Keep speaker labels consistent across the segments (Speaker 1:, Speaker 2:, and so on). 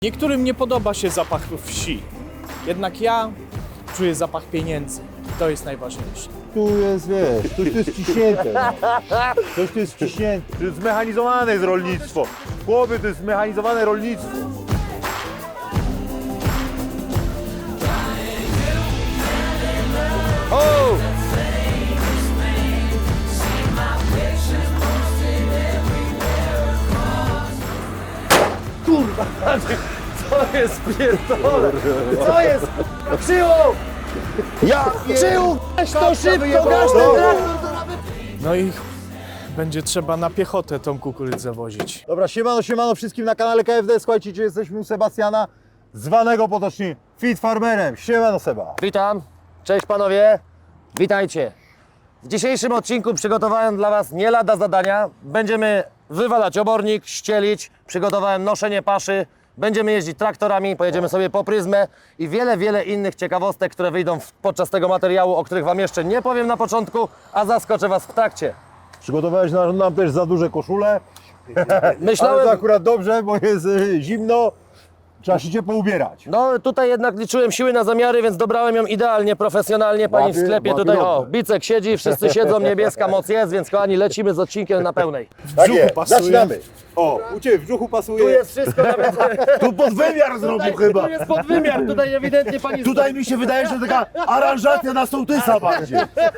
Speaker 1: Niektórym nie podoba się zapach wsi, jednak ja czuję zapach pieniędzy. To jest najważniejsze.
Speaker 2: Tu jest, wiesz, coś tu jest ciśnięte. No. Coś tu jest ciśnięte.
Speaker 3: To jest zmechanizowane jest rolnictwo. Chłopie, to jest zmechanizowane rolnictwo.
Speaker 4: O! Kurwa, co jest pierdolone? Co jest? Krzył! Krzył! Weź to szybko, gaś ten traktor!
Speaker 1: No i będzie trzeba na piechotę tą kukurydzę wozić.
Speaker 2: Dobra, siemano wszystkim na kanale KFD. Słuchajcie, gdzie jesteśmy u Sebastiana, zwanego potocznie Fit Farmerem. Siemano Seba.
Speaker 4: Witam, cześć panowie, witajcie. W dzisiejszym odcinku przygotowałem dla Was nie lada zadania. Będziemy wywalać obornik, ścielić, przygotowałem noszenie paszy, będziemy jeździć traktorami, pojedziemy sobie po pryzmę i wiele innych ciekawostek, które wyjdą podczas tego materiału, o których Wam jeszcze nie powiem na początku, a zaskoczę Was w trakcie.
Speaker 2: Przygotowałeś nam też za duże koszule, ale
Speaker 4: Myślałem,
Speaker 2: to akurat dobrze, bo jest zimno. Trzeba się ciepło ubierać.
Speaker 4: no tutaj jednak liczyłem siły na zamiary, więc dobrałem ją idealnie, profesjonalnie. Pani w sklepie tutaj, o, Bicek siedzi, wszyscy siedzą, niebieska moc jest, więc kochani, lecimy z odcinkiem na pełnej.
Speaker 1: W
Speaker 2: Tak
Speaker 1: brzuchu
Speaker 2: jest,
Speaker 1: pasuje.
Speaker 2: zaczynamy. O, u Ciebie w brzuchu pasuje.
Speaker 4: Tu jest wszystko nawet...
Speaker 3: Tu podwymiar zrobił chyba.
Speaker 4: Tu jest podwymiar, tutaj ewidentnie pani...
Speaker 3: Tutaj mi się wydaje, że taka aranżacja na sołtysa bardziej.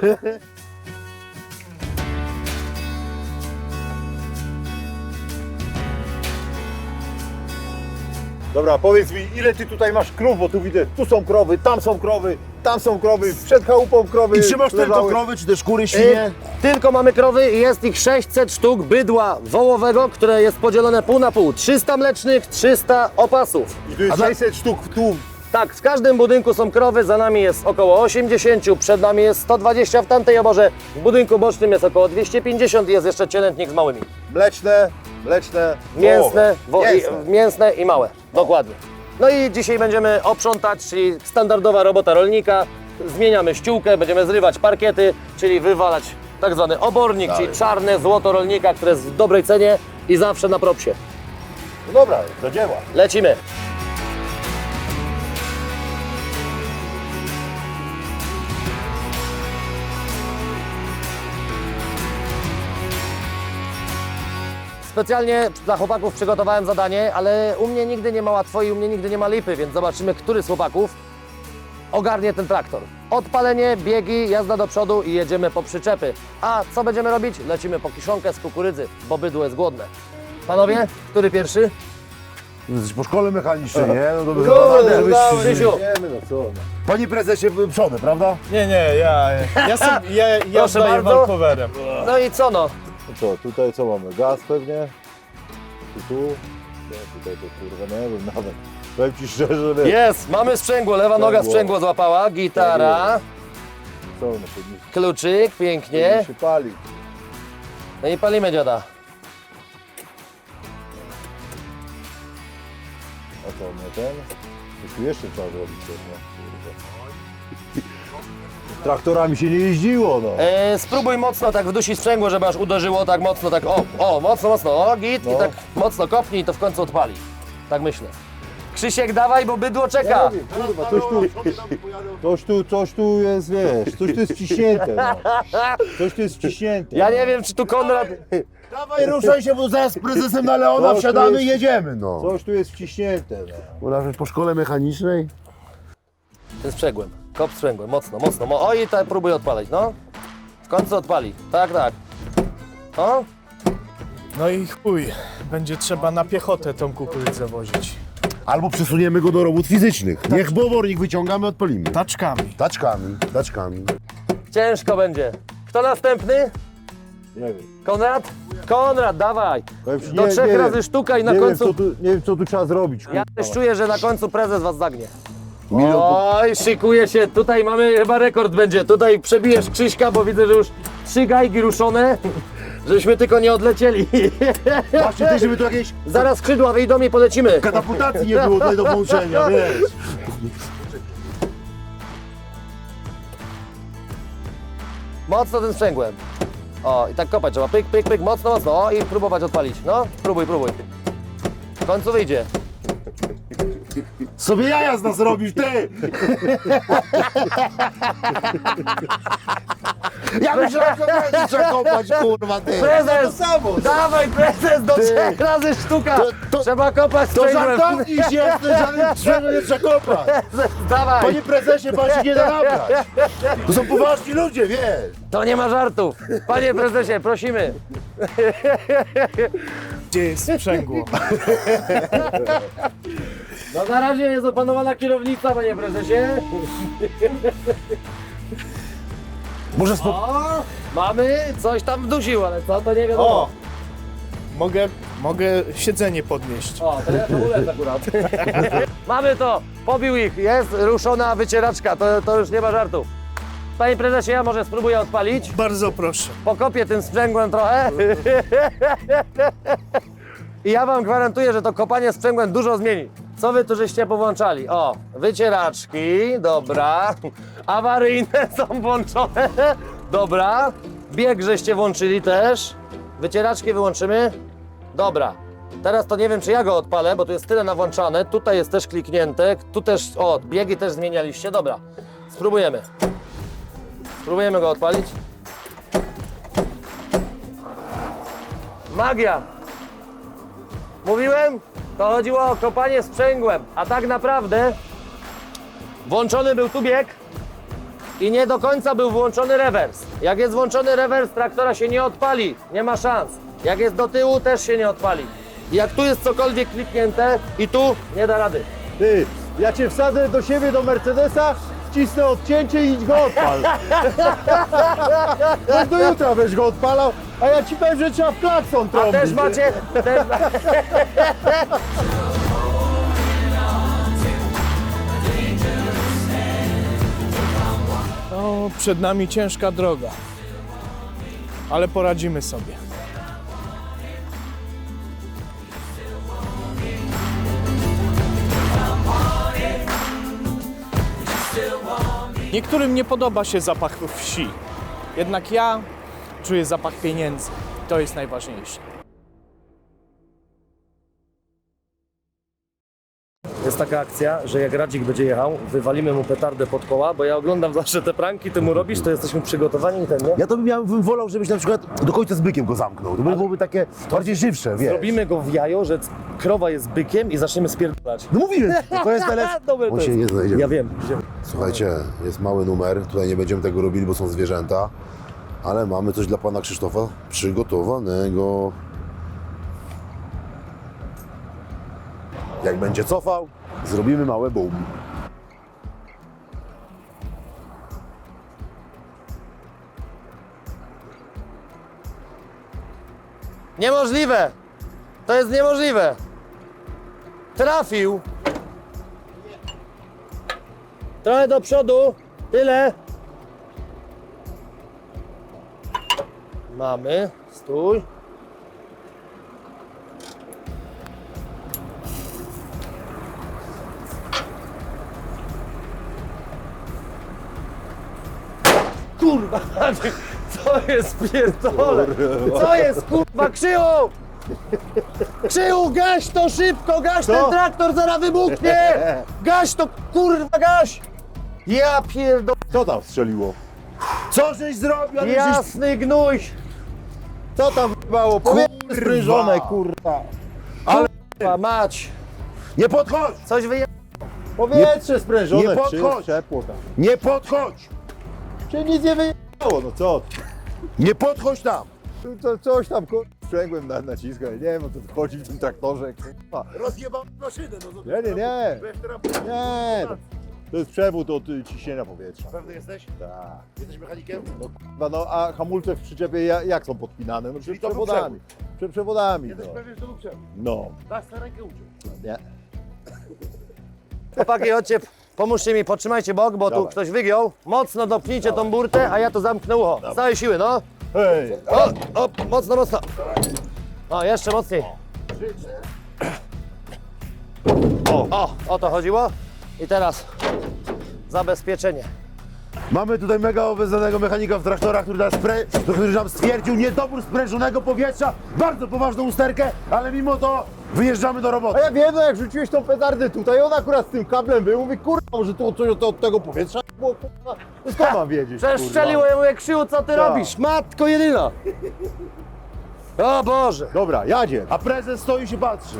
Speaker 2: Dobra, powiedz mi, ile Ty tutaj masz krów, bo tu widzę, tu są krowy, tam są krowy, przed chałupą krowy.
Speaker 3: I trzymasz tylko
Speaker 2: leżały.
Speaker 3: krowy, czy też kury, świnie?
Speaker 4: Tylko mamy krowy i jest ich 600 sztuk bydła wołowego, które jest podzielone pół na pół. 300 mlecznych, 300 opasów.
Speaker 2: I tu jest 600 sztuk tu.
Speaker 4: Tak, w każdym budynku są krowy, za nami jest około 80, przed nami jest 120 w tamtej oborze, w budynku bocznym jest około 250 i jest jeszcze cielętnik z małymi.
Speaker 2: Mleczne,
Speaker 4: Mięsne,
Speaker 2: wołowe.
Speaker 4: mięsne i małe, dokładnie. No i dzisiaj będziemy oprzątać, czyli standardowa robota rolnika. Zmieniamy ściółkę, będziemy zrywać parkiety, czyli wywalać tak zwany obornik, czyli czarne złoto rolnika, które jest w dobrej cenie i zawsze na propsie.
Speaker 2: No dobra, do dzieła.
Speaker 4: Lecimy. Specjalnie dla chłopaków przygotowałem zadanie, ale u mnie nigdy nie ma łatwo i u mnie nigdy nie ma lipy, więc zobaczymy, który z chłopaków ogarnie ten traktor. Odpalenie, biegi, jazda do przodu i jedziemy po przyczepy. A co będziemy robić? Lecimy po kiszonkę z kukurydzy, bo bydło jest głodne. Panowie, który pierwszy?
Speaker 3: Jesteś po szkole mechanicznej, nie? No to by
Speaker 4: Krzysiu.
Speaker 2: Wiemy, no co. No.
Speaker 3: Panie prezesie, przody, prawda?
Speaker 1: Nie, ja
Speaker 4: Proszę
Speaker 1: zdaję
Speaker 4: bardzo.
Speaker 1: walkowerem.
Speaker 4: No i co no?
Speaker 2: No co, tutaj co mamy? Gaz pewnie? Tu? Nie, tutaj to kurwa nie wiem nawet. Powiem Ci szczerze, że
Speaker 4: Jest, mamy sprzęgło, lewa noga sprzęgło złapała, gitara,
Speaker 2: co one powinny
Speaker 4: kluczyk, pięknie.
Speaker 2: się palić.
Speaker 4: No i palimy dziada.
Speaker 2: A co, nie ten? To tu jeszcze trzeba zrobić coś, no. Traktorami się nie jeździło, no.
Speaker 4: Spróbuj mocno tak wdusić sprzęgło, żeby aż uderzyło tak mocno, tak mocno, o git i
Speaker 2: No.
Speaker 4: tak mocno kopnij i to w końcu odpali. Tak myślę. Krzysiek, dawaj, bo bydło czeka.
Speaker 2: Kurwa, coś tu jest, wiesz, coś tu jest wciśnięte, no. Coś tu jest wciśnięte.
Speaker 4: Ja nie wiem, czy tu Konrad...
Speaker 3: Dawaj, ruszaj się, bo zaraz z prezesem na Leona
Speaker 2: Coś tu
Speaker 3: wsiadamy
Speaker 2: jest-
Speaker 3: i jedziemy, no.
Speaker 2: Coś tu jest wciśnięte, no.
Speaker 3: Bo nawet po szkole mechanicznej?
Speaker 4: Tym sprzęgłem, kop sprzęgłem, mocno. O i tak próbuj odpalać, no. W końcu odpali, tak. O,
Speaker 1: No i chuj, będzie trzeba na piechotę tą kukurydzę wozić.
Speaker 3: Albo przesuniemy go do robót fizycznych. Niech bobornik wyciągamy, odpalimy.
Speaker 1: Taczkami.
Speaker 3: Taczkami.
Speaker 4: ciężko będzie. Kto następny?
Speaker 2: Nie wiem.
Speaker 4: Konrad, dawaj.
Speaker 2: Powiem ci,
Speaker 4: Do
Speaker 2: nie
Speaker 4: 3
Speaker 2: wiem.
Speaker 4: razy sztuka i na
Speaker 2: Nie
Speaker 4: końcu...
Speaker 2: wiem, co tu trzeba zrobić, kurwa.
Speaker 4: Ja też czuję, że na końcu prezes was zagnie.
Speaker 3: Milion
Speaker 4: Oj, szykuje się, tutaj mamy chyba rekord będzie. Tutaj przebijesz Krzyśka, bo widzę, że już 3 gajki ruszone, żeśmy tylko nie odlecieli.
Speaker 3: Właśnie też, żeby tu jakiejś
Speaker 4: Zaraz skrzydła wyjdą i polecimy.
Speaker 3: katapultacji nie było tutaj do połączenia, wiesz.
Speaker 4: Mocno tym sprzęgłem. O, i tak kopać trzeba, pyk, mocno. O, i próbować odpalić. No, próbuj. W końcu wyjdzie.
Speaker 3: Sobie jaja z nas robisz, ty! Ja myślałem, że będzie trzeba kopać, kurwa, ty!
Speaker 4: Prezes! Dawaj prezes do 3 razy sztuka! Trzeba kopać
Speaker 3: To
Speaker 4: sprzęgłem.
Speaker 3: żartowniś jesteś, ale czego nie trzeba kopać!
Speaker 4: Dawaj!
Speaker 3: Panie prezesie, pan się nie da nabrać! To są poważni ludzie, wiesz!
Speaker 4: To nie ma żartów! Panie prezesie, prosimy!
Speaker 1: Gdzie jest sprzęgło?
Speaker 4: No na razie jest opanowana kierownica, panie prezesie.
Speaker 3: Może
Speaker 4: O, mamy coś tam wdusił, ale co to nie wiadomo.
Speaker 1: O! Mogę siedzenie podnieść.
Speaker 4: O, to ja to ulecę akurat. Mamy to! Pobił ich, jest ruszona wycieraczka, to już nie ma żartów. Panie prezesie, ja może spróbuję odpalić.
Speaker 1: Bardzo proszę.
Speaker 4: Pokopię tym sprzęgłem trochę. I ja wam gwarantuję, że to kopanie sprzęgłem dużo zmieni. Co wy tu żeście powłączali? O, wycieraczki, dobra. Awaryjne są włączone, dobra. Bieg żeście włączyli też. Wycieraczki wyłączymy. Dobra. Teraz to nie wiem, czy ja go odpalę, bo tu jest tyle nawłączane. Tutaj jest też kliknięte. Tu też, o, biegi też zmienialiście. Dobra. Spróbujemy. Spróbujemy go odpalić. Magia! Mówiłem? To chodziło o kopanie sprzęgłem, a tak naprawdę włączony był tu bieg i nie do końca był włączony rewers. Jak jest włączony rewers, traktora się nie odpali, nie ma szans. Jak jest do tyłu, też się nie odpali. I jak tu jest cokolwiek kliknięte i tu, nie da rady.
Speaker 3: Ty, ja cię wsadzę do siebie, do Mercedesa, wcisnę odcięcie i idź go odpal. No do jutra będziesz go odpalał, a ja ci powiem, że trzeba w klakson
Speaker 4: A
Speaker 3: trąbić.
Speaker 4: też macie... Też...
Speaker 1: No, przed nami ciężka droga. Ale poradzimy sobie. Niektórym nie podoba się zapach wsi. Jednak ja czuję zapach pieniędzy. To jest najważniejsze.
Speaker 4: Jest taka akcja, że jak Radzik będzie jechał, wywalimy mu petardę pod koła, bo ja oglądam zawsze te pranki, ty mu robisz, to jesteśmy przygotowani i ten, nie?
Speaker 3: Ja to bym wolał, żebyś na przykład do końca z bykiem go zamknął. To byłoby takie bardziej żywsze, wiesz.
Speaker 4: Robimy go w jajo, że krowa jest bykiem i zaczniemy spierdalać.
Speaker 3: No mówiłem, to jest najlepsze.
Speaker 4: Dobre
Speaker 3: On
Speaker 4: to
Speaker 3: się
Speaker 4: jest.
Speaker 3: nie znajdzie.
Speaker 4: Ja wiem.
Speaker 3: Słuchajcie, jest mały numer, tutaj nie będziemy tego robili, bo są zwierzęta, ale mamy coś dla pana Krzysztofa przygotowanego. Jak będzie cofał, zrobimy małe boom.
Speaker 4: Niemożliwe! To jest niemożliwe! Trafił! Trochę do przodu, tyle. Mamy, stój. Kurwa, co jest pierdolę? Co jest kurwa, Krzyju? Krzyju, gaś to szybko, gaś ten traktor, zaraz wybuchnie! Gaś to, kurwa, gaś! Ja pierdolę,
Speaker 2: Co tam strzeliło?
Speaker 3: Co żeś zrobił? Ale żeś...
Speaker 4: jasny gnój!
Speaker 2: Co tam mało? Powietrze sprężone, kurwa.
Speaker 4: Kurwa, mać!
Speaker 3: Nie podchodź!
Speaker 4: Coś wyje...
Speaker 2: Powietrze sprężone.
Speaker 3: nie podchodź.
Speaker 2: Ciepło tam.
Speaker 3: Nie podchodź!
Speaker 2: Czy nic nie wyjechało, no co?
Speaker 3: Nie podchodź tam!
Speaker 2: To coś tam sprzęgłem naciska, nie wiem o co chodzi w tym traktorze, kurwa.
Speaker 3: Rozjebam maszynę, no to...
Speaker 2: Nie. Nie, to jest przewód od ciśnienia powietrza.
Speaker 3: Pewny jesteś?
Speaker 2: Tak.
Speaker 3: Jesteś mechanikiem?
Speaker 2: No, kurwa, no a hamulce w przyczepie jak są podpinane? No
Speaker 3: Czyli to był
Speaker 2: przewodami. Przewodami,
Speaker 3: Jesteś
Speaker 2: no.
Speaker 3: pewien, że to był przewód?
Speaker 2: No.
Speaker 3: Dasz na rękę uciął.
Speaker 2: Nie.
Speaker 4: Chłopaki, chodźcie, pomóżcie mi, podtrzymajcie bok, bo tu
Speaker 2: Dawaj.
Speaker 4: ktoś wygiął. Mocno dopnijcie tą burtę, a ja to zamknę ucho. Z całej siły, no.
Speaker 2: Hej!
Speaker 4: O, mocno, mocno. O, jeszcze mocniej. O to chodziło. I teraz zabezpieczenie.
Speaker 3: Mamy tutaj mega obeznanego mechanika w traktorach, który nam stwierdził niedobór sprężonego powietrza, bardzo poważną usterkę, ale mimo to Wyjeżdżamy do
Speaker 2: A
Speaker 3: roboty.
Speaker 2: ja wiem, no jak rzuciłeś tą petardę tutaj, on akurat z tym kablem był, mówi, kurwa, może to od tego powietrza było, kurwa. No skąd mam wiedzieć,
Speaker 4: Przeszczeliło, ja mówię, Krzyju, co ty robisz? Matko jedyna. O Boże.
Speaker 2: Dobra, jadzie.
Speaker 3: A prezes stoi i się patrzy.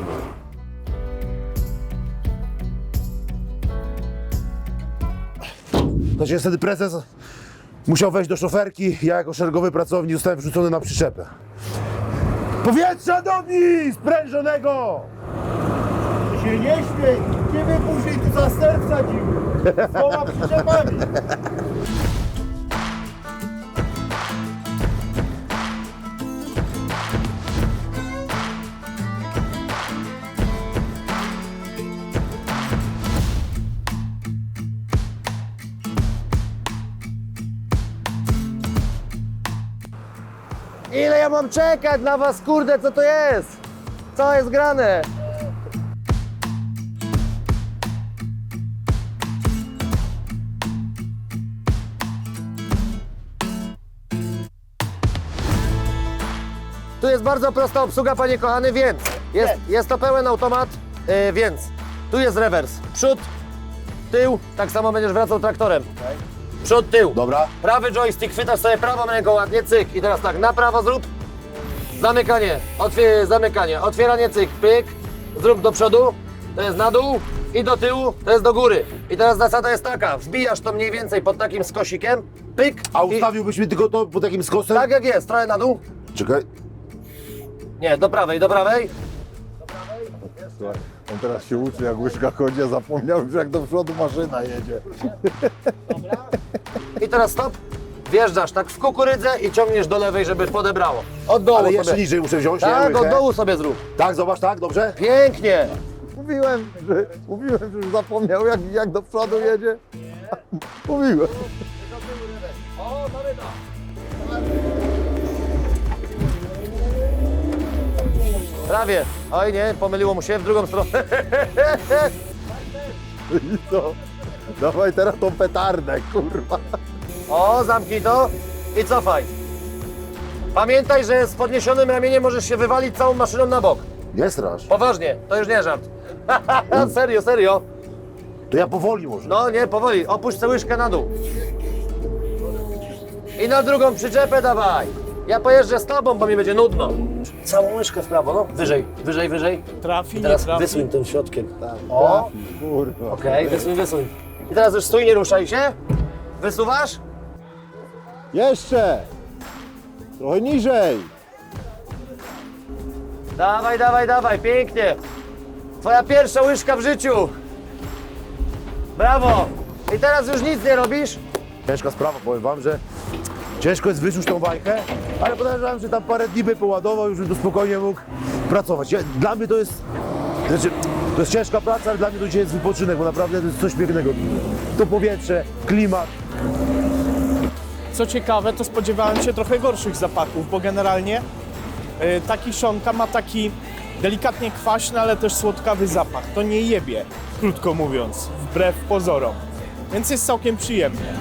Speaker 3: To się wtedy prezes musiał wejść do szoferki, ja jako szeregowy pracownik zostałem wrzucony na przyczepę. Powietrza do mnie! Sprężonego!
Speaker 2: Ty się nie śmiej, ciebie później tu za ster wsadzimy. Z 2 przyczepami.
Speaker 4: Ile ja mam czekać na was, kurde, co to jest? Co jest grane? Tu jest bardzo prosta obsługa, panie kochany, więc jest to pełen automat, więc tu jest rewers. Przód, tył, tak samo będziesz wracał traktorem. Przód, tył.
Speaker 3: Dobra.
Speaker 4: Prawy joystick, chwytasz sobie prawą ręką ładnie, cyk. I teraz tak, na prawo zrób. Zamykanie, zamykanie, otwieranie, cyk, pyk. Zrób do przodu, to jest na dół. I do tyłu, to jest do góry. I teraz zasada jest taka, wbijasz to mniej więcej pod takim skosikiem, pyk.
Speaker 3: A
Speaker 4: i-
Speaker 3: ustawiłbyś mi tylko to po takim skosem?
Speaker 4: Tak jak jest, trochę na dół.
Speaker 3: Czekaj.
Speaker 4: Nie, do prawej, do prawej.
Speaker 2: Słuchaj, on teraz się uczy, jak łyżka chodzi, a zapomniał już, jak do przodu maszyna jedzie.
Speaker 4: I teraz stop. Wjeżdżasz tak w kukurydzę i ciągniesz do lewej, żeby podebrało. Od dołu
Speaker 3: Ale jeszcze
Speaker 4: sobie.
Speaker 3: niżej muszę wziąć, nie?
Speaker 4: Tak, od
Speaker 3: Łychę.
Speaker 4: dołu sobie zrób.
Speaker 3: Tak, zobacz, tak, dobrze?
Speaker 4: Pięknie.
Speaker 2: Mówiłem, że już zapomniał, jak do przodu jedzie. Mówiłem.
Speaker 4: O, mamy to. Prawie. Oj nie, pomyliło mu się w drugą stronę.
Speaker 2: I co? Dawaj teraz tą petardę, kurwa.
Speaker 4: O, zamknij to i cofaj. Pamiętaj, że z podniesionym ramieniem możesz się wywalić całą maszyną na bok.
Speaker 3: Nie strasz.
Speaker 4: Poważnie, to już nie żart. Serio, serio.
Speaker 3: To ja powoli może.
Speaker 4: No nie, powoli, opuść tę łyżkę na dół. I na drugą przyczepę dawaj. Ja pojeżdżę z tobą, bo mi będzie nudno. Całą łyżkę w prawo, no. Wyżej, wyżej, wyżej.
Speaker 1: Trafi,
Speaker 4: I
Speaker 1: nie
Speaker 4: teraz
Speaker 1: trafi.
Speaker 4: wysuń tym środkiem. O,
Speaker 2: Kurwa.
Speaker 4: okej, wysuń, wysuń. I teraz już stój, nie ruszaj się. Wysuwasz?
Speaker 2: Jeszcze! Trochę niżej.
Speaker 4: Dawaj, dawaj, dawaj, pięknie. Twoja pierwsza łyżka w życiu. Brawo. I teraz już nic nie robisz?
Speaker 3: Ciężka sprawa, powiem wam, że ciężko jest wyczuć tą bajkę, ale podejrzewam, że tam parę dni by poładował, już bym tu spokojnie mógł pracować. Dla mnie to jest, znaczy, to jest ciężka praca, ale dla mnie to dzisiaj jest wypoczynek, bo naprawdę to jest coś pięknego. To powietrze, klimat.
Speaker 1: Co ciekawe, to spodziewałem się trochę gorszych zapachów, bo generalnie ta kiszonka ma taki delikatnie kwaśny, ale też słodkawy zapach. To nie jebie, krótko mówiąc, wbrew pozorom. Więc jest całkiem przyjemnie.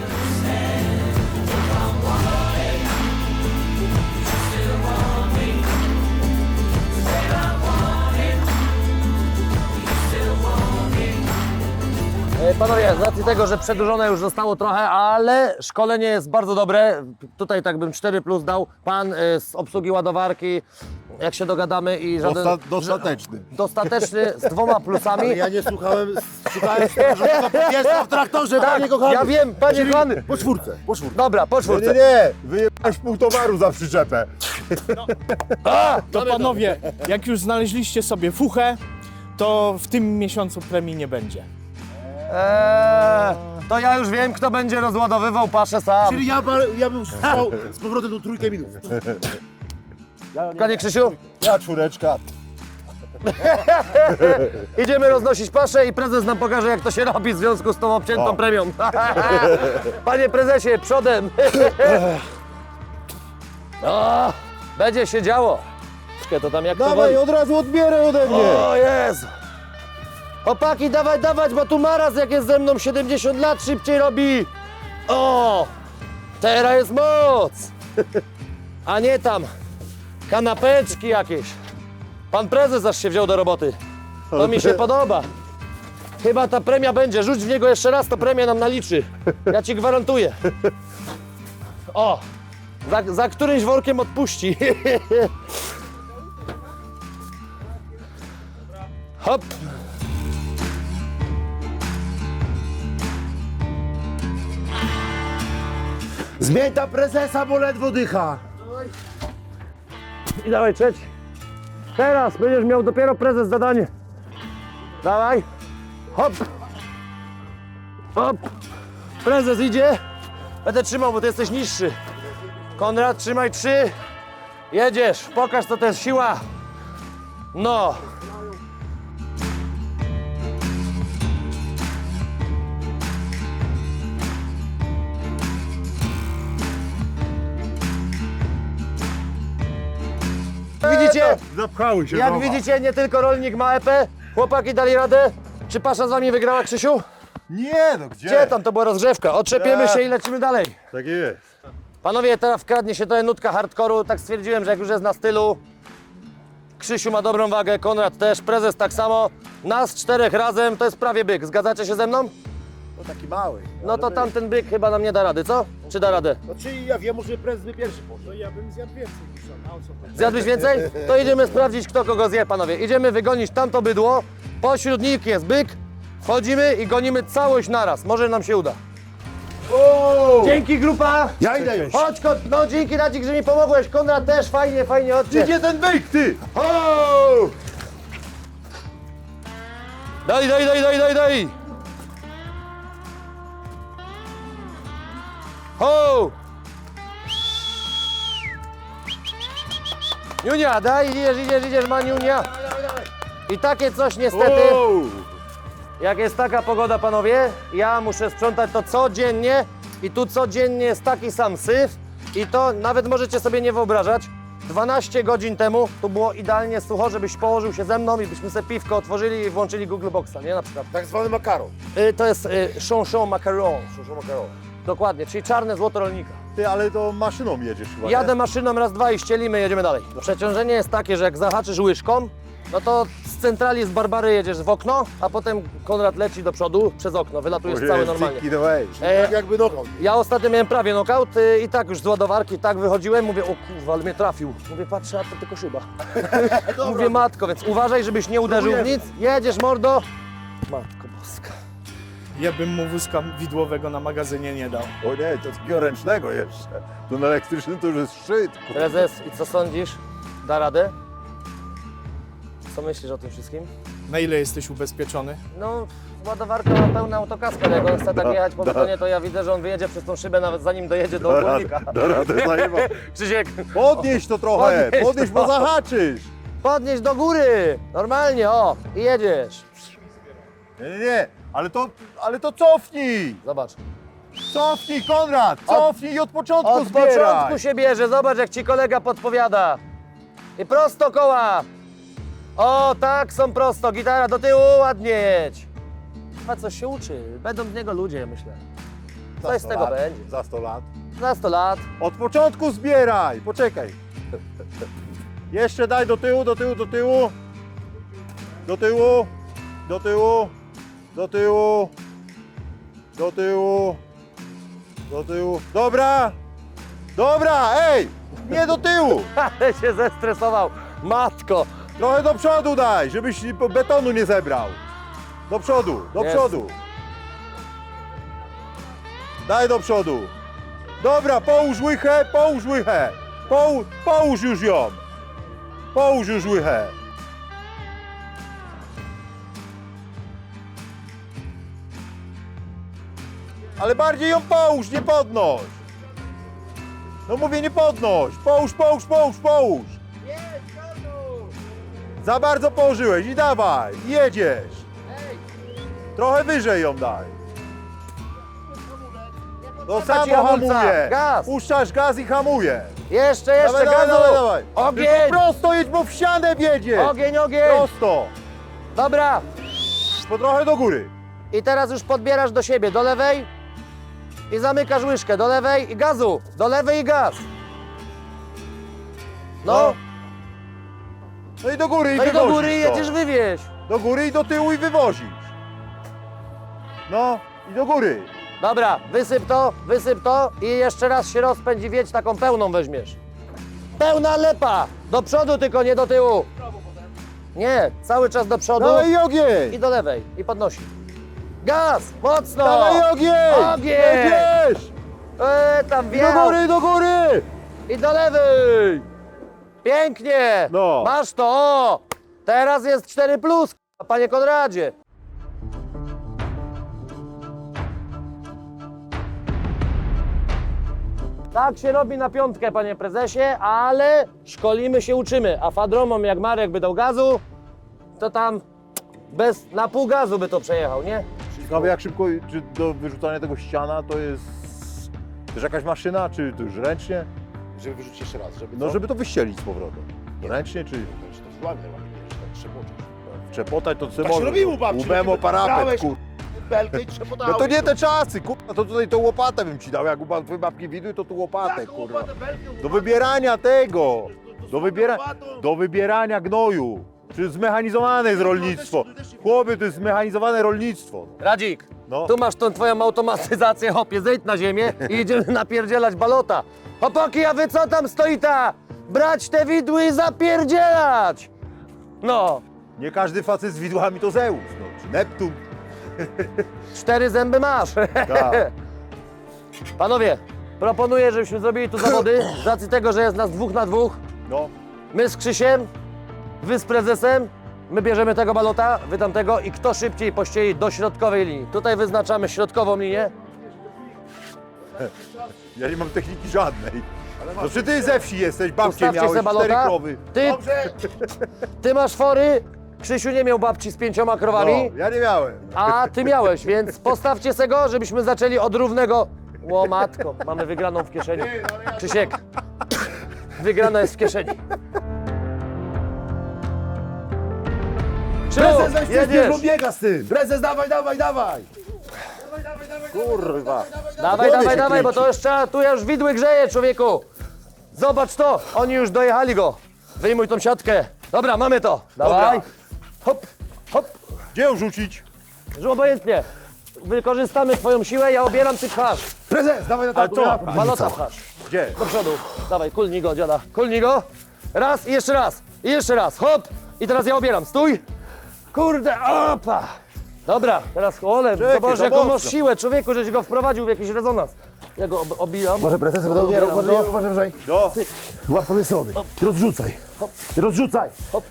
Speaker 4: Panowie, z racji tego, że przedłużone już zostało trochę, ale szkolenie jest bardzo dobre. Tutaj tak bym 4+ dał. Pan z obsługi ładowarki, jak się dogadamy i żaden...
Speaker 2: Dostateczny.
Speaker 4: Dostateczny z 2 plusami.
Speaker 3: Ja nie słuchałem strażowego jest w traktorze, panie kochany.
Speaker 4: Ja wiem, panie kochany.
Speaker 3: Po czwórce, po czwórce.
Speaker 4: Dobra, po
Speaker 2: Nie,
Speaker 4: czwórce.
Speaker 2: nie, wyjebałeś pół towaru za przyczepę.
Speaker 1: To panowie, jak już znaleźliście sobie fuchę, to w tym miesiącu premii nie będzie.
Speaker 4: To ja już wiem, kto będzie rozładowywał paszę sam.
Speaker 3: Czyli ja bym stał z powrotem do 3 minut.
Speaker 4: Panie Krzysiu,
Speaker 2: Ja czwóreczka.
Speaker 4: idziemy roznosić paszę i prezes nam pokaże, jak to się robi w związku z tą obciętą premią. Panie prezesie, przodem. O, będzie się działo. To tam jak to
Speaker 2: Dawaj,
Speaker 4: woli.
Speaker 2: od razu odbieraj ode mnie.
Speaker 4: O Jezu. Chłopaki, dawaj, dawać, bo tu Maras jak jest ze mną 70 lat szybciej robi. O, teraz jest moc. A nie tam kanapeczki jakieś. Pan prezes aż się wziął do roboty. To mi się podoba. Chyba ta premia będzie. Rzuć w niego jeszcze raz, to premia nam naliczy. Ja ci gwarantuję. O! Za którymś workiem odpuści. Hop!
Speaker 3: Zmień ta prezesa, bo ledwo dycha.
Speaker 4: I dawaj trzeci. Teraz będziesz miał dopiero prezes zadanie. Dawaj. Hop. Hop. Prezes idzie. Będę trzymał, bo ty jesteś niższy. Konrad, trzymaj 3. Jedziesz. Pokaż, co to jest siła. No. Widzicie?
Speaker 2: Zapchały się.
Speaker 4: Jak widzicie, nie tylko rolnik ma epę. Chłopaki dali radę. Czy pasza z wami wygrała, Krzysiu?
Speaker 2: Nie, no gdzie?
Speaker 4: Gdzie tam? To była rozgrzewka. Otrzepiemy się i lecimy dalej.
Speaker 2: Tak jest.
Speaker 4: Panowie, teraz wkradnie się trochę nutka hardkoru. Tak stwierdziłem, że jak już jest na stylu. Krzysiu ma dobrą wagę, Konrad też, prezes tak samo. Nas 4 razem to jest prawie byk. Zgadzacie się ze mną?
Speaker 3: No taki mały.
Speaker 4: No to tamten byk chyba nam nie da rady, co? Czy da radę?
Speaker 3: Znaczy ja wiem, może prezes by pierwszy poszedł.
Speaker 1: No ja bym zjadł więcej niż on, a o co chodzi?
Speaker 4: Zjadłeś więcej? To idziemy sprawdzić, kto kogo zje, panowie. Idziemy wygonić tamto bydło. Pośród nich jest byk. Wchodzimy i gonimy całość naraz. Może nam się uda. Dzięki, grupa!
Speaker 3: Ja idę już.
Speaker 4: Chodź, no dzięki Radzik, że mi pomogłeś. Konrad też, fajnie, chodźcie.
Speaker 3: Gdzie ten byk, ty?
Speaker 4: Ho! Daj! Ho! Niunia, daj, idziesz, Maniunia. I takie coś niestety, jak jest taka pogoda, panowie, ja muszę sprzątać to codziennie i tu codziennie jest taki sam syf i to nawet możecie sobie nie wyobrażać. 12 godzin temu tu było idealnie sucho, żebyś położył się ze mną i byśmy sobie piwko otworzyli i włączyli Google Boxa, nie? Na przykład.
Speaker 3: Tak zwany makaron.
Speaker 4: To jest chanson macaron.
Speaker 3: Proszę makaron.
Speaker 4: Dokładnie, czyli czarne złoto rolnika.
Speaker 2: Ty, ale to maszyną jedziesz chyba, nie?
Speaker 4: Jadę maszyną raz, dwa i ścielimy, jedziemy dalej. Przeciążenie jest takie, że jak zahaczysz łyżką, no to z centrali z Barbary jedziesz w okno, a potem Konrad leci do przodu przez okno, wylatujesz cały normalnie.
Speaker 2: Take it away.
Speaker 3: Tak jakby nogą.
Speaker 4: Ja ostatnio miałem prawie knockout i tak już z ładowarki, tak wychodziłem, mówię, o kurwa, ale mnie trafił. Mówię, patrzę, a to tylko szyba. Mówię, matko, więc uważaj, żebyś nie uderzył w nic. Jedziesz, mordo. Matko boska.
Speaker 1: Ja bym mu wózka widłowego na magazynie nie dał.
Speaker 2: O nie, to takiego ręcznego jeszcze. To na elektrycznym to już jest szczyt. kurwa.
Speaker 4: Prezes, i co sądzisz? Da radę? Co myślisz o tym wszystkim?
Speaker 1: Na ile jesteś ubezpieczony?
Speaker 4: No, ładowarka ma pełna autokaska, jak on chce tak jechać po betonie, to ja widzę, że on wyjedzie przez tą szybę, nawet zanim dojedzie do ogólnika.
Speaker 2: Da radę, zajebał.
Speaker 4: Krzysiek,
Speaker 2: Podnieś to trochę, podnieś, bo zahaczysz.
Speaker 4: podnieś do góry, normalnie, o, i jedziesz.
Speaker 2: Nie, ale to cofnij.
Speaker 4: Zobacz.
Speaker 2: Cofnij, Konrad, cofnij i od początku
Speaker 4: Od
Speaker 2: zbieraj.
Speaker 4: początku się bierze, zobacz jak ci kolega podpowiada. I prosto koła. O, tak, są prosto, gitara do tyłu, ładnie jedź. A coś się uczy, będą z niego ludzie, myślę.
Speaker 2: Za
Speaker 4: Coś z
Speaker 2: 100
Speaker 4: tego
Speaker 2: lat,
Speaker 4: będzie.
Speaker 2: Za 100 lat.
Speaker 4: Za 100 lat.
Speaker 2: Od początku zbieraj, poczekaj. Jeszcze daj do tyłu, do tyłu, do tyłu. Do tyłu, do tyłu, do tyłu, do tyłu, do tyłu. Dobra, dobra, ej, nie do tyłu.
Speaker 4: Ale się zestresował. Matko.
Speaker 2: Trochę do przodu daj, żebyś betonu nie zebrał. Do przodu, do
Speaker 4: Jest.
Speaker 2: przodu. Daj do przodu. Dobra, połóż łychę, połóż łychę. Połóż już ją. Połóż już łychę. Ale bardziej ją połóż, nie podnoś. No mówię, nie podnoś. Połóż. Za bardzo położyłeś i dawaj, i jedziesz. Trochę wyżej ją daj. To
Speaker 4: ci
Speaker 2: samo
Speaker 4: hamulca.
Speaker 2: hamuje.
Speaker 4: Gaz.
Speaker 2: Puszczasz gaz i hamuje.
Speaker 4: Jeszcze,
Speaker 2: Dawaj,
Speaker 4: gazu.
Speaker 2: dawaj.
Speaker 4: Ogień.
Speaker 2: Tylko prosto jedź, bo w ścianę wjedziesz.
Speaker 4: Ogień.
Speaker 2: Prosto.
Speaker 4: Dobra.
Speaker 2: Po trochę do góry.
Speaker 4: I teraz już podbierasz do siebie, do lewej i zamykasz łyżkę, do lewej i gazu, do lewej i gaz. No,
Speaker 2: No i do góry i
Speaker 4: No i do
Speaker 2: wywozisz
Speaker 4: góry
Speaker 2: to.
Speaker 4: jedziesz wywieź.
Speaker 2: Do góry i do tyłu i wywozisz. No i do góry.
Speaker 4: Dobra, wysyp to i jeszcze raz się rozpędzi, wiedź, taką pełną weźmiesz. Pełna lepa! Do przodu tylko, nie do tyłu. Nie, cały czas do przodu
Speaker 2: Dawaj i ogień.
Speaker 4: i do lewej i podnosi. Gaz, mocno!
Speaker 2: Dawaj ogień.
Speaker 4: Ogień!
Speaker 2: Jedziesz.
Speaker 4: Tam
Speaker 2: I
Speaker 4: wjechał
Speaker 2: do góry, do góry.
Speaker 4: i do lewej! Pięknie!
Speaker 2: No.
Speaker 4: Masz to, o! Teraz jest 4+, panie Konradzie. Tak się robi na piątkę, panie prezesie, ale szkolimy się, uczymy. A fadromom, jak Marek by dał gazu, to tam na pół gazu by to przejechał, nie?
Speaker 2: Ciekawe jak szybko, czy do wyrzucania tego ściana to jest też jakaś maszyna, czy to już ręcznie?
Speaker 3: Żeby wyrzucić jeszcze raz, żeby
Speaker 2: No żeby to wyścielić z powrotem. Ręcznie czy
Speaker 3: To złamie najładniej, że tak trzeboczesz.
Speaker 2: trzepotać to co
Speaker 3: Tak się robiło, babci.
Speaker 2: Łbemo parapet,
Speaker 3: Brałeś,
Speaker 2: kur...
Speaker 3: belkę i trzepotałeś.
Speaker 2: No to nie te czasy, kurwa, to tutaj tą łopatę bym ci dał, jak u twojej babki widuj, to tu łopatę, kurwa. Do wybierania tego, do wybierania gnoju. Czy zmechanizowane jest rolnictwo. Chłopie, to jest zmechanizowane rolnictwo.
Speaker 4: Radzik,
Speaker 2: No.
Speaker 4: tu masz tą twoją automatyzację, hopie, zejdź na ziemię i idziemy napierdzielać balota. Chłopaki, a wy co tam stoita? Brać te widły i zapierdzielać! No,
Speaker 2: Nie każdy facet z widłami to Zeus, no, czy Neptun.
Speaker 4: 4 zęby masz.
Speaker 2: Tak.
Speaker 4: Panowie, proponuję, żebyśmy zrobili tu zawody, z racji tego, że jest nas 2 na 2.
Speaker 2: No,
Speaker 4: My z Krzysiem, wy z prezesem, my bierzemy tego balota, wy tamtego i kto szybciej pościeli do środkowej linii. Tutaj wyznaczamy środkową linię.
Speaker 2: ja nie mam techniki żadnej. No czy ty ze wsi jesteś, babcie
Speaker 4: Ustawcie
Speaker 2: miałeś,
Speaker 4: se
Speaker 2: 4
Speaker 4: balota.
Speaker 2: krowy.
Speaker 4: Ty masz fory, Krzysiu nie miał babci z 5 krowami,
Speaker 2: No, ja nie miałem.
Speaker 4: a ty miałeś, więc postawcie se go, żebyśmy zaczęli od równego... Ło matko, mamy wygraną w kieszeni. Krzysiek, wygrana jest w kieszeni.
Speaker 3: Prezes, weź
Speaker 4: jedziesz.
Speaker 3: bo biega z tym. Prezes, dawaj, dawaj, dawaj.
Speaker 2: Kurwa.
Speaker 4: Dawaj,
Speaker 2: Głowie
Speaker 4: dawaj,
Speaker 2: się
Speaker 4: dawaj, bo
Speaker 2: kręci.
Speaker 4: to już trzeba, tu już widły grzeje, człowieku. Zobacz to, oni już dojechali go. Wyjmuj tą siatkę. Dobra, mamy to. Dawaj. Hop, hop.
Speaker 2: Gdzie ją rzucić?
Speaker 4: Że obojętnie. Wykorzystamy twoją siłę, ja obieram, ty pchasz.
Speaker 3: Prezes, dawaj na
Speaker 2: Ale
Speaker 3: taką.
Speaker 2: co?
Speaker 4: Balota pchasz.
Speaker 2: Gdzie?
Speaker 4: Do przodu. Dawaj, kulnij go, dziada. Kulnij go. Raz i jeszcze raz. I jeszcze raz. Hop. I teraz ja obieram. Stój. Kurde, opa. Dobra, teraz ole,
Speaker 2: Czekaj,
Speaker 4: zobacz
Speaker 2: to
Speaker 4: jaką masz
Speaker 2: mocno.
Speaker 4: siłę, człowieku, żeś go wprowadził w jakiś rezonans. Ja go obijam.
Speaker 3: Może prezes będę ubierał, uważaj.
Speaker 2: No.
Speaker 3: Łap sobie strony. Rozrzucaj. Rozrzucaj.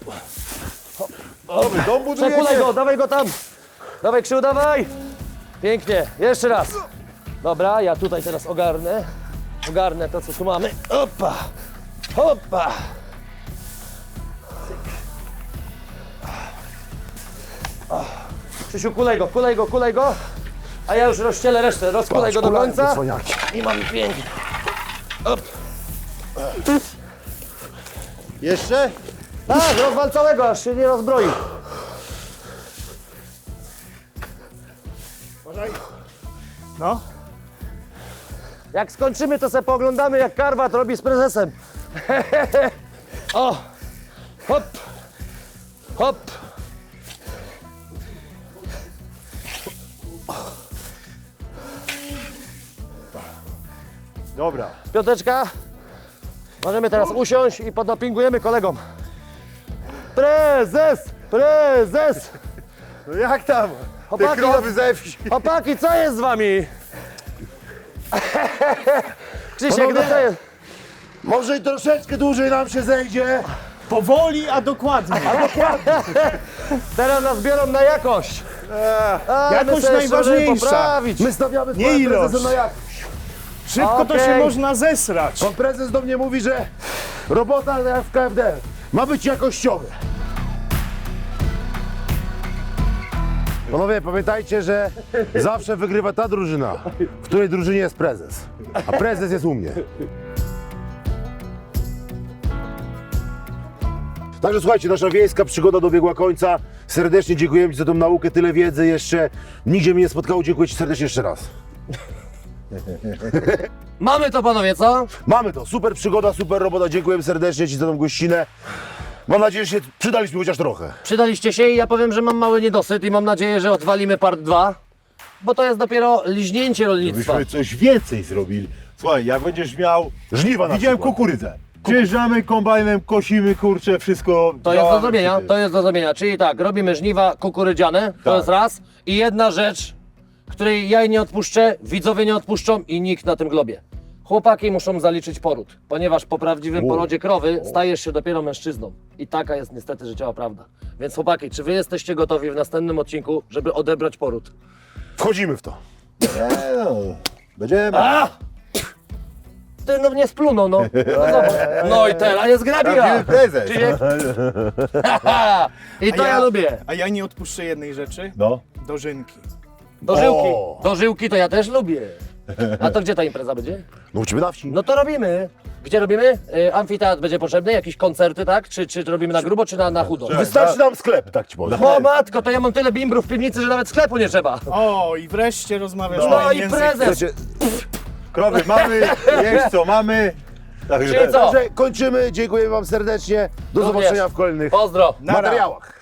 Speaker 2: Dobry, dom budujecie.
Speaker 4: Przekulaj go, dawaj go tam. Dawaj, Krzył, dawaj. Pięknie, jeszcze raz. Dobra, ja tutaj teraz ogarnę. Ogarnę to, co tu mamy. Opa, opa. Krzysiu, kulej go, kulej go, kulej go. A ja już rozścielę resztę, rozkulaj go do końca. I mamy pięknie.
Speaker 2: Jeszcze?
Speaker 4: Tak, rozwal całego, aż się nie rozbroi.
Speaker 1: No.
Speaker 4: Jak skończymy, to se pooglądamy, jak Karwat robi z prezesem. O! Hop! Hop!
Speaker 2: Dobra.
Speaker 4: Piąteczka. Możemy teraz usiąść i podopingujemy kolegom. Prezes! Prezes!
Speaker 2: No jak tam? Te
Speaker 4: Chłopaki,
Speaker 2: krowy ze wsi.
Speaker 4: Chłopaki, co jest z wami? Krzysiek, no
Speaker 3: Panowie!
Speaker 4: co jest?
Speaker 3: Może i troszeczkę dłużej nam się zejdzie.
Speaker 1: Powoli, a dokładnie.
Speaker 4: Teraz nas biorą na jakość. A, my
Speaker 1: Jakość
Speaker 4: sobie jeszcze
Speaker 1: najważniejsza.
Speaker 4: możemy poprawić.
Speaker 3: My stawiamy z
Speaker 1: Nie
Speaker 3: panem
Speaker 1: ilość.
Speaker 3: prezesem na jak.
Speaker 1: Szybko to się
Speaker 4: Okej.
Speaker 1: można zesrać.
Speaker 3: Pan prezes do mnie mówi, że robota jak w KFD ma być jakościowa. Panowie, pamiętajcie, że zawsze wygrywa ta drużyna, w której drużynie jest prezes. A prezes jest u mnie. Także słuchajcie, nasza wiejska przygoda dobiegła końca. Serdecznie dziękujemy Ci za tą naukę, tyle wiedzy jeszcze. Nigdzie mnie nie spotkało. Dziękuję Ci serdecznie jeszcze raz.
Speaker 4: Mamy to, panowie, co?
Speaker 3: Mamy to. Super przygoda, super robota. Dziękujemy serdecznie Ci za tą gościnę. Mam nadzieję, że się przydaliśmy chociaż trochę.
Speaker 4: Przydaliście się i ja powiem, że mam mały niedosyt i mam nadzieję, że odwalimy part 2, bo to jest dopiero liźnięcie rolnictwa.
Speaker 2: Byśmy coś więcej zrobili. Słuchaj, jak będziesz miał...
Speaker 3: Żniwa na
Speaker 2: Widziałem
Speaker 3: przykład.
Speaker 2: kukurydzę. Przyjeżdżamy kombajnem, kosimy, kurczę, wszystko...
Speaker 4: To jest do
Speaker 2: działamy
Speaker 4: zrobienia,
Speaker 2: przy tym.
Speaker 4: to jest do zrobienia. Czyli tak, robimy żniwa kukurydziane, to
Speaker 2: Tak.
Speaker 4: jest raz. I jedna rzecz, której ja nie odpuszczę, widzowie nie odpuszczą i nikt na tym globie. Chłopaki muszą zaliczyć poród, ponieważ po prawdziwym porodzie krowy stajesz się dopiero mężczyzną. I taka jest niestety życiowa prawda. Więc chłopaki, czy wy jesteście gotowi w następnym odcinku, żeby odebrać poród?
Speaker 3: Wchodzimy w to.
Speaker 2: Nie no, będziemy.
Speaker 4: Ty no mnie splunął, no. No, zobacz. No i teraz jest grabira.
Speaker 2: Prawdziwy prezes.
Speaker 4: Czyli... I to ja lubię.
Speaker 1: A ja nie odpuszczę jednej rzeczy.
Speaker 2: No.
Speaker 1: Dożynki.
Speaker 4: Dożyłki.
Speaker 3: O.
Speaker 4: Dożyłki to ja też lubię. A to gdzie ta impreza będzie?
Speaker 3: No u ciebie na wsi.
Speaker 4: No to robimy. Gdzie robimy? Amfiteatr będzie potrzebny? Jakieś koncerty, tak? Czy robimy na grubo, czy na chudo?
Speaker 3: Wystarczy nam sklep, tak ci powiem.
Speaker 4: O matko, to ja mam tyle bimbrów w piwnicy, że nawet sklepu nie trzeba.
Speaker 1: O, i wreszcie rozmawiasz
Speaker 4: No
Speaker 1: moim
Speaker 4: i
Speaker 1: językiem.
Speaker 4: prezes.
Speaker 3: Słuchajcie,
Speaker 2: Krowy mamy, wiesz co mamy. Także
Speaker 4: Czyli co?
Speaker 3: Także kończymy, dziękuję wam serdecznie. Do
Speaker 4: Również.
Speaker 3: zobaczenia w kolejnych
Speaker 4: Pozdro.
Speaker 1: Nara.
Speaker 3: materiałach.